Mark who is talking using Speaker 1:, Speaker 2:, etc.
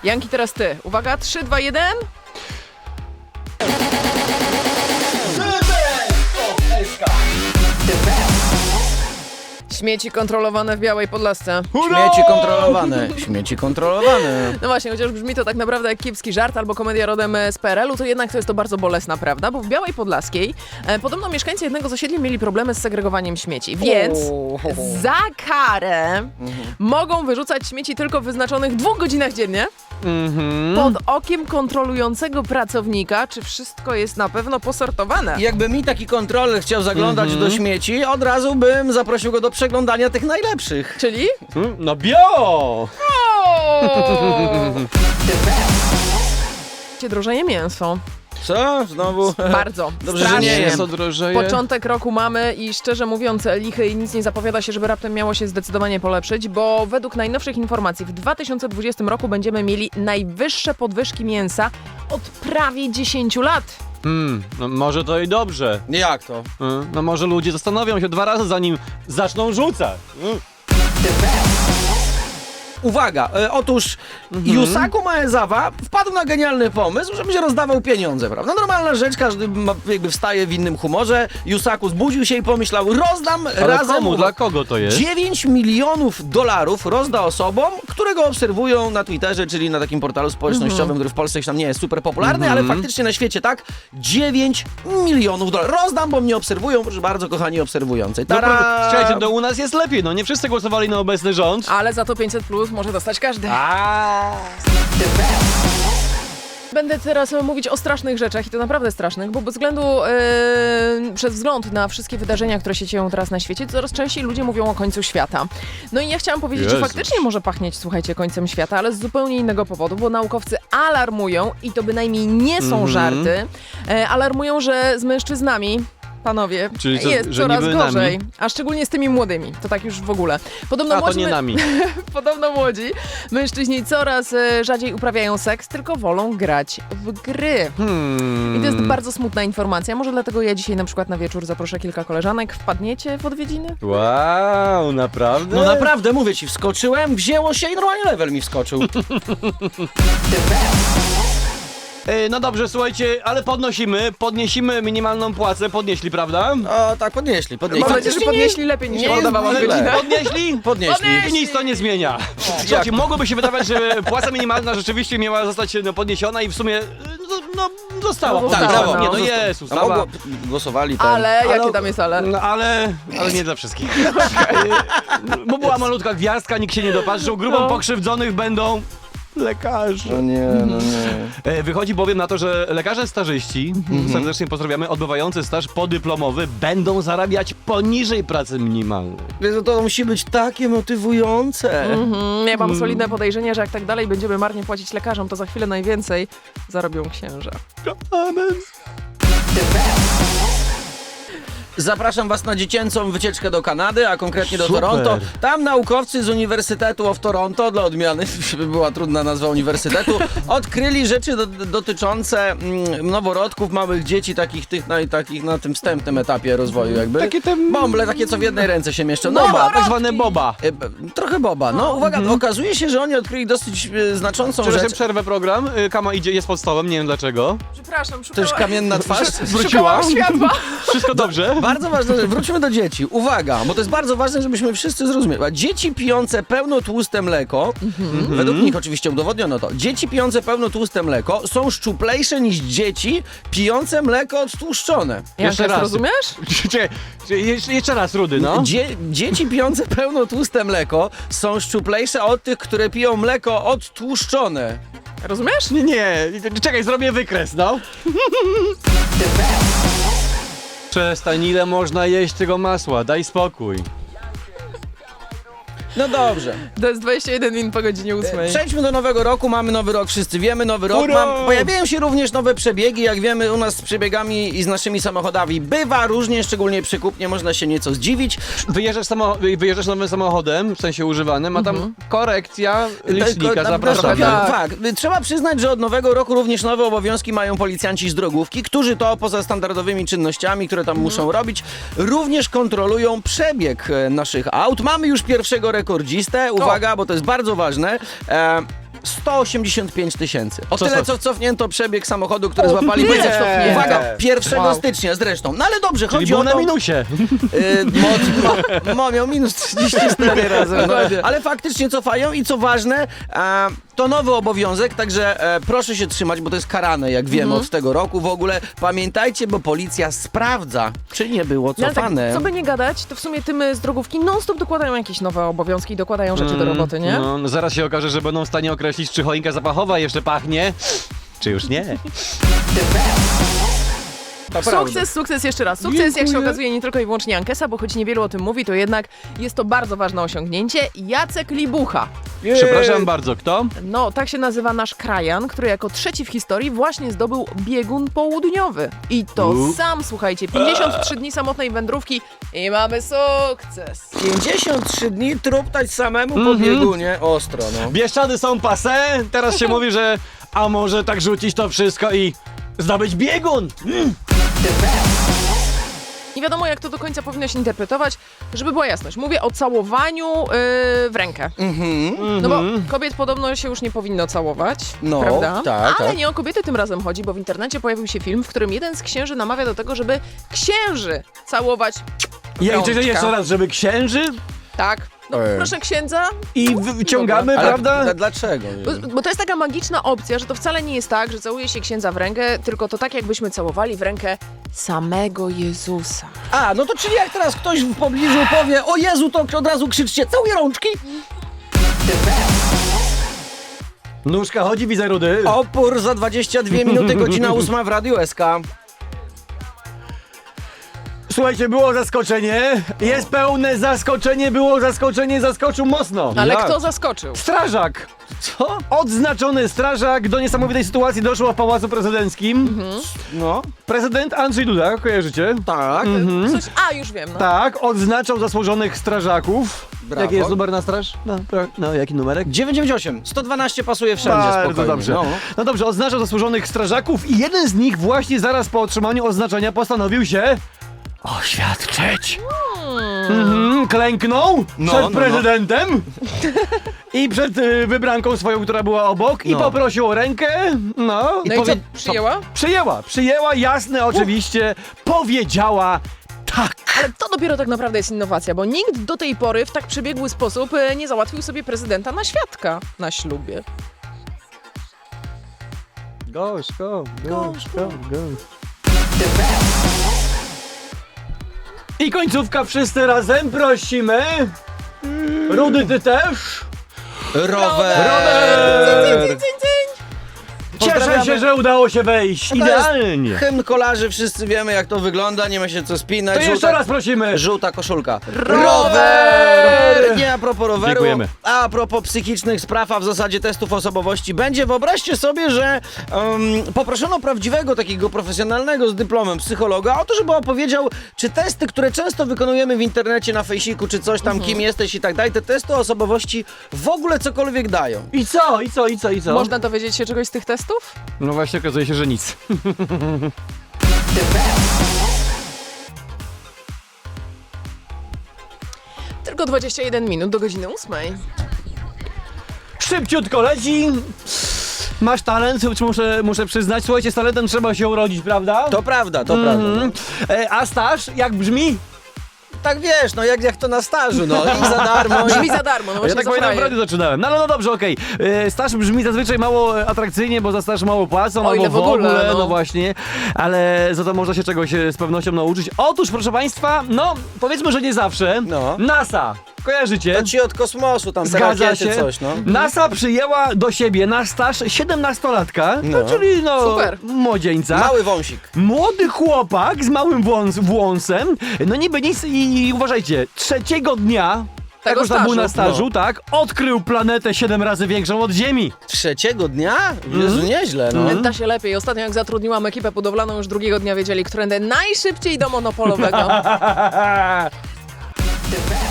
Speaker 1: Janki, teraz ty. Uwaga, 3, 2, 1. Śmieci kontrolowane w Białej Podlasce.
Speaker 2: Śmieci kontrolowane.
Speaker 1: No właśnie, chociaż brzmi to tak naprawdę jak kiepski żart albo komedia rodem z PRL-u, to jednak to jest to bardzo bolesna prawda, bo w Białej Podlaskiej podobno mieszkańcy jednego z osiedli mieli problemy z segregowaniem śmieci, więc za karę mogą wyrzucać śmieci tylko w wyznaczonych 2 godzinach dziennie pod okiem kontrolującego pracownika, czy wszystko jest na pewno posortowane.
Speaker 2: Jakby mi taki kontroler chciał zaglądać do śmieci, od razu bym zaprosił go do przeglądania tych najlepszych.
Speaker 1: Czyli?
Speaker 3: No bio!
Speaker 1: Drożeje mięso.
Speaker 2: Co? Znowu?
Speaker 1: Bardzo.
Speaker 2: Dobrze, że
Speaker 1: Strasznie.
Speaker 2: nie jem.
Speaker 3: Co drożeje?
Speaker 1: Początek roku mamy i szczerze mówiąc lichy i nic nie zapowiada się, żeby raptem miało się zdecydowanie polepszyć, bo według najnowszych informacji w 2020 roku będziemy mieli najwyższe podwyżki mięsa od prawie 10 lat.
Speaker 3: No może to i dobrze.
Speaker 2: Jak to?
Speaker 3: No może ludzie zastanowią się 2 razy, zanim zaczną rzucać.
Speaker 2: Uwaga, otóż Yusaku Maezawa wpadł na genialny pomysł, żeby się rozdawał pieniądze, prawda? Normalna rzecz, każdy jakby wstaje w innym humorze. Yusaku zbudził się i pomyślał, rozdam
Speaker 3: Ale
Speaker 2: razem...
Speaker 3: komu? Dla kogo to jest?
Speaker 2: 9 milionów dolarów rozda osobom, które go obserwują na Twitterze, czyli na takim portalu społecznościowym, który w Polsce już tam nie jest super popularny, ale faktycznie na świecie, tak? 9 milionów dolarów. Rozdam, bo mnie obserwują, proszę bardzo, kochani obserwujący.
Speaker 3: No,
Speaker 2: Tada!
Speaker 3: słuchajcie, to u nas jest lepiej, no nie wszyscy głosowali na obecny rząd.
Speaker 1: Ale za to 500+ może dostać każdy. Będę teraz mówić o strasznych rzeczach i to naprawdę strasznych, bo bez względu, przez wzgląd na wszystkie wydarzenia, które się dzieją teraz na świecie, coraz częściej ludzie mówią o końcu świata. No i ja chciałam powiedzieć, że
Speaker 3: Jezus.
Speaker 1: faktycznie może pachnieć, słuchajcie, końcem świata, ale z zupełnie innego powodu, bo naukowcy alarmują, i to bynajmniej nie są żarty, alarmują, że z mężczyznami, panowie,
Speaker 3: Czyli co,
Speaker 1: jest
Speaker 3: że
Speaker 1: coraz
Speaker 3: niby
Speaker 1: gorzej,
Speaker 3: nami?
Speaker 1: a szczególnie z tymi młodymi, to tak już w ogóle. Podobno
Speaker 3: A to
Speaker 1: młodzi
Speaker 3: nie nami.
Speaker 1: Podobno młodzi mężczyźni coraz rzadziej uprawiają seks, tylko wolą grać w gry. I to jest bardzo smutna informacja. Może dlatego ja dzisiaj na przykład na wieczór zaproszę kilka koleżanek. Wpadniecie w odwiedziny?
Speaker 3: Wow, naprawdę?
Speaker 2: No naprawdę, mówię ci, wskoczyłem, wzięło się i normalnie level mi wskoczył.
Speaker 3: No dobrze, słuchajcie, ale podniesimy minimalną płacę, podnieśli, prawda?
Speaker 2: O, tak, podnieśli.
Speaker 1: Mam nadzieję, że podnieśli lepiej niż
Speaker 2: nie
Speaker 1: ja
Speaker 2: jest
Speaker 1: udawałam
Speaker 2: źle.
Speaker 1: godzinę.
Speaker 3: Podnieśli?
Speaker 2: Podnieśli.
Speaker 3: I nic to nie zmienia. Słuchajcie, mogłoby się wydawać, że płaca minimalna rzeczywiście miała zostać podniesiona i w sumie została
Speaker 1: No,
Speaker 3: podniesiona.
Speaker 1: została,
Speaker 3: Nie,
Speaker 1: no.
Speaker 3: no jest
Speaker 2: A
Speaker 3: ustawa.
Speaker 2: mogło, głosowali ten.
Speaker 1: Ale jakie tam jest ale?
Speaker 3: No, ale nie dla wszystkich. Bo była malutka gwiazdka, nikt się nie dopatrzył. Grupą pokrzywdzonych będą lekarze.
Speaker 2: No nie, no nie.
Speaker 3: Wychodzi bowiem na to, że lekarze stażyści, serdecznie pozdrawiamy, odbywający staż podyplomowy będą zarabiać poniżej pracy minimalnej.
Speaker 2: Jezu, to musi być takie motywujące.
Speaker 1: Ja mam solidne podejrzenie, że jak tak dalej będziemy marnie płacić lekarzom, to za chwilę najwięcej zarobią księża.
Speaker 3: Amen.
Speaker 2: Zapraszam was na dziecięcą wycieczkę do Kanady, a konkretnie do
Speaker 3: Super.
Speaker 2: Toronto. Tam naukowcy z Uniwersytetu of Toronto, dla odmiany, żeby była trudna nazwa uniwersytetu, odkryli rzeczy dotyczące noworodków, małych dzieci, takich na tym wstępnym etapie rozwoju jakby.
Speaker 3: Takie te
Speaker 2: Bąble, takie co w jednej ręce się mieszczą.
Speaker 3: boba, tak zwane boba.
Speaker 2: Trochę boba. No uwaga, okazuje się, że oni odkryli dosyć znaczącą
Speaker 3: Przepraszam,
Speaker 2: rzecz.
Speaker 3: przerwę program. Kama jest pod stołem, nie wiem dlaczego.
Speaker 1: Przepraszam,
Speaker 2: To już kamienna twarz.
Speaker 3: Wróciła?
Speaker 1: Szukałam światła.
Speaker 3: Wszystko dobrze?
Speaker 2: Bardzo ważne, że wróćmy do dzieci. Uwaga, bo to jest bardzo ważne, żebyśmy wszyscy zrozumieli. Dzieci pijące pełnotłuste mleko, według nich oczywiście udowodniono to, dzieci pijące pełnotłuste mleko są szczuplejsze niż dzieci pijące mleko odtłuszczone.
Speaker 3: Jeszcze raz.
Speaker 1: Rozumiesz?
Speaker 3: Czekaj, jeszcze raz, Rudy, no.
Speaker 2: Dzieci pijące pełnotłuste mleko są szczuplejsze od tych, które piją mleko odtłuszczone.
Speaker 1: Rozumiesz?
Speaker 3: Nie, czekaj, zrobię wykres, no. Przestań, ile można jeść tego masła, daj spokój.
Speaker 2: No dobrze.
Speaker 1: To jest 21 minut po godzinie 8.
Speaker 2: Przejdźmy do nowego roku, mamy nowy rok, wszyscy wiemy, nowy rok.
Speaker 3: Hurra!
Speaker 2: Pojawiają się również nowe przebiegi, jak wiemy u nas z przebiegami i z naszymi samochodami bywa różnie, szczególnie przy kupnie, można się nieco zdziwić.
Speaker 3: Wyjeżdżasz nowym samochodem, w sensie używanym, a tam korekcja licznika, zapraszamy.
Speaker 2: Tak, trzeba przyznać, że od nowego roku również nowe obowiązki mają policjanci z drogówki, którzy to poza standardowymi czynnościami, które tam muszą robić, również kontrolują przebieg naszych aut. Mamy już pierwszego rekordzistę, uwaga, bo to jest bardzo ważne. 185 tysięcy. O tyle,
Speaker 3: Co?
Speaker 2: co cofnięto przebieg samochodu, który złapali
Speaker 1: tyle
Speaker 2: policja.
Speaker 1: cofnięto.
Speaker 2: Uwaga, 1
Speaker 1: Wow.
Speaker 2: stycznia zresztą. No ale dobrze,
Speaker 3: Czyli
Speaker 2: chodzi
Speaker 3: był
Speaker 2: o
Speaker 3: na
Speaker 2: to...
Speaker 3: minusie.
Speaker 2: Miał minus 34 razy. No.
Speaker 1: Dokładnie.
Speaker 2: Ale faktycznie cofają i co ważne, to nowy obowiązek, także proszę się trzymać, bo to jest karane, jak wiemy, od tego roku. W ogóle pamiętajcie, bo policja sprawdza, czy nie było
Speaker 1: No, ale tak,
Speaker 2: cofane.
Speaker 1: co by nie gadać, to w sumie tym z drogówki non-stop dokładają jakieś nowe obowiązki i dokładają rzeczy do roboty, nie?
Speaker 3: No, zaraz się okaże, że będą w stanie określić, czy choinka zapachowa jeszcze pachnie, czy już nie.
Speaker 2: Naprawdę.
Speaker 1: Sukces jeszcze raz. Sukces, jak się okazuje, nie tylko i wyłącznie Ankesa, bo choć niewielu o tym mówi, to jednak jest to bardzo ważne osiągnięcie. Jacek Libucha.
Speaker 3: Przepraszam bardzo, kto?
Speaker 1: No, tak się nazywa nasz krajan, który jako trzeci w historii właśnie zdobył biegun południowy. I to sam, słuchajcie, 53 dni samotnej wędrówki i mamy sukces.
Speaker 2: 53 dni truptać samemu po biegunie. Ostro, no.
Speaker 3: Bieszczady są passé, teraz się mówi, że a może tak rzucić to wszystko i zdobyć biegun.
Speaker 1: Nie wiadomo, jak to do końca powinno się interpretować, żeby była jasność. Mówię o całowaniu w rękę. No bo kobiet podobno się już nie powinno całować,
Speaker 2: No,
Speaker 1: prawda?
Speaker 2: tak,
Speaker 1: Ale
Speaker 2: tak.
Speaker 1: nie o kobiety tym razem chodzi, bo w internecie pojawił się film, w którym jeden z księży namawia do tego, żeby księży całować
Speaker 3: Jeszcze
Speaker 1: rączka.
Speaker 3: raz, żeby księży
Speaker 1: Tak. No, proszę księdza.
Speaker 3: i wyciągamy,
Speaker 2: Ale
Speaker 3: prawda?
Speaker 2: dlaczego?
Speaker 1: Bo to jest taka magiczna opcja, że to wcale nie jest tak, że całuje się księdza w rękę, tylko to tak, jakbyśmy całowali w rękę samego Jezusa.
Speaker 2: A, no to czyli jak teraz ktoś w pobliżu powie, o Jezu, to od razu krzyczcie, całuję rączki.
Speaker 3: Nóżka chodzi, widzę rudy.
Speaker 2: Opór za 22 minuty, godzina 8 w Radiu SK.
Speaker 3: Słuchajcie, było zaskoczenie, jest pełne zaskoczenie, zaskoczył mocno.
Speaker 1: Ale
Speaker 3: Jak?
Speaker 1: kto zaskoczył?
Speaker 3: Strażak!
Speaker 2: Co?
Speaker 3: Odznaczony strażak, do niesamowitej sytuacji doszło w Pałacu Prezydenckim.
Speaker 2: No,
Speaker 3: Prezydent Andrzej Duda, kojarzycie?
Speaker 2: tak.
Speaker 1: Coś, już wiem. No.
Speaker 3: Tak, odznaczał zasłużonych strażaków.
Speaker 2: Brawo.
Speaker 3: Jaki jest numer na straż? No, jaki numerek?
Speaker 2: 998, 112 pasuje wszędzie,
Speaker 3: Bardzo
Speaker 2: spokojnie.
Speaker 3: dobrze.
Speaker 2: No.
Speaker 3: No dobrze, odznaczał zasłużonych strażaków i jeden z nich właśnie zaraz po otrzymaniu oznaczenia postanowił się oświadczyć. Klęknął przed prezydentem i przed wybranką swoją, która była obok i
Speaker 2: No.
Speaker 3: poprosił o rękę. No
Speaker 1: No i co, przyjęła?
Speaker 3: Przyjęła, jasne, oczywiście, powiedziała tak.
Speaker 1: Ale to dopiero tak naprawdę jest innowacja, bo nikt do tej pory w tak przebiegły sposób nie załatwił sobie prezydenta na świadka na ślubie.
Speaker 3: Gość, go. I końcówka, wszyscy razem prosimy. Rudy, ty też?
Speaker 2: Rower!
Speaker 1: Cyń, cyń, cyń.
Speaker 3: Cieszę
Speaker 2: Pozdrawiamy.
Speaker 3: się, że udało się wejść.
Speaker 2: To jest
Speaker 3: Idealnie.
Speaker 2: Hymn kolarzy, wszyscy wiemy jak to wygląda, nie ma się co spinać.
Speaker 3: To jeszcze raz prosimy.
Speaker 2: Żółta koszulka.
Speaker 3: Rower!
Speaker 2: Nie a propos roweru,
Speaker 3: Dziękujemy.
Speaker 2: a propos psychicznych spraw, a w zasadzie testów osobowości będzie. Wyobraźcie sobie, że poproszono prawdziwego, takiego profesjonalnego z dyplomem psychologa o to, żeby opowiedział, czy testy, które często wykonujemy w internecie, na fejsiku, czy coś tam, kim jesteś i tak dalej, te testy osobowości w ogóle cokolwiek dają.
Speaker 3: I co?
Speaker 1: Można dowiedzieć się czegoś z tych testów?
Speaker 3: No właśnie, okazuje się, że nic.
Speaker 1: Tylko 21 minut do godziny 8.
Speaker 3: Szybciutko leci. Masz talent, muszę przyznać. Słuchajcie, z talentem trzeba się urodzić, prawda?
Speaker 2: To prawda, to prawda. No.
Speaker 3: A staż, jak brzmi?
Speaker 2: Tak wiesz, no jak to na stażu, no i za darmo.
Speaker 1: Brzmi za darmo, no
Speaker 3: Ja
Speaker 1: właśnie
Speaker 3: tak
Speaker 1: za
Speaker 3: pamiętam, w
Speaker 1: frajer.
Speaker 3: radiu zaczynałem. No dobrze, okej. Staż brzmi zazwyczaj mało atrakcyjnie, bo za staż mało płacą,
Speaker 1: O ile
Speaker 3: albo
Speaker 1: w ogóle, no.
Speaker 3: no właśnie. Ale za to można się czegoś z pewnością nauczyć. Otóż, proszę państwa, no powiedzmy, że nie zawsze.
Speaker 2: No.
Speaker 3: NASA, kojarzycie?
Speaker 2: To ci od kosmosu, tam te
Speaker 3: Zgadza
Speaker 2: rakiety,
Speaker 3: się.
Speaker 2: coś, no.
Speaker 3: NASA przyjęła do siebie na staż 17-latka,
Speaker 2: No.
Speaker 3: czyli
Speaker 1: Super.
Speaker 2: No.
Speaker 3: młodzieńca.
Speaker 2: Mały wąsik.
Speaker 3: Młody chłopak z małym włosem, no niby nic i uważajcie, trzeciego dnia,
Speaker 1: Tego
Speaker 3: jak już tam był na
Speaker 1: stażu.
Speaker 3: stażu, tak, odkrył planetę 7 razy większą od Ziemi.
Speaker 2: Trzeciego dnia? Jezu, nieźle, no.
Speaker 1: Da się lepiej. Ostatnio jak zatrudniłam ekipę budowlaną, już drugiego dnia wiedzieli, którędy najszybciej do monopolowego.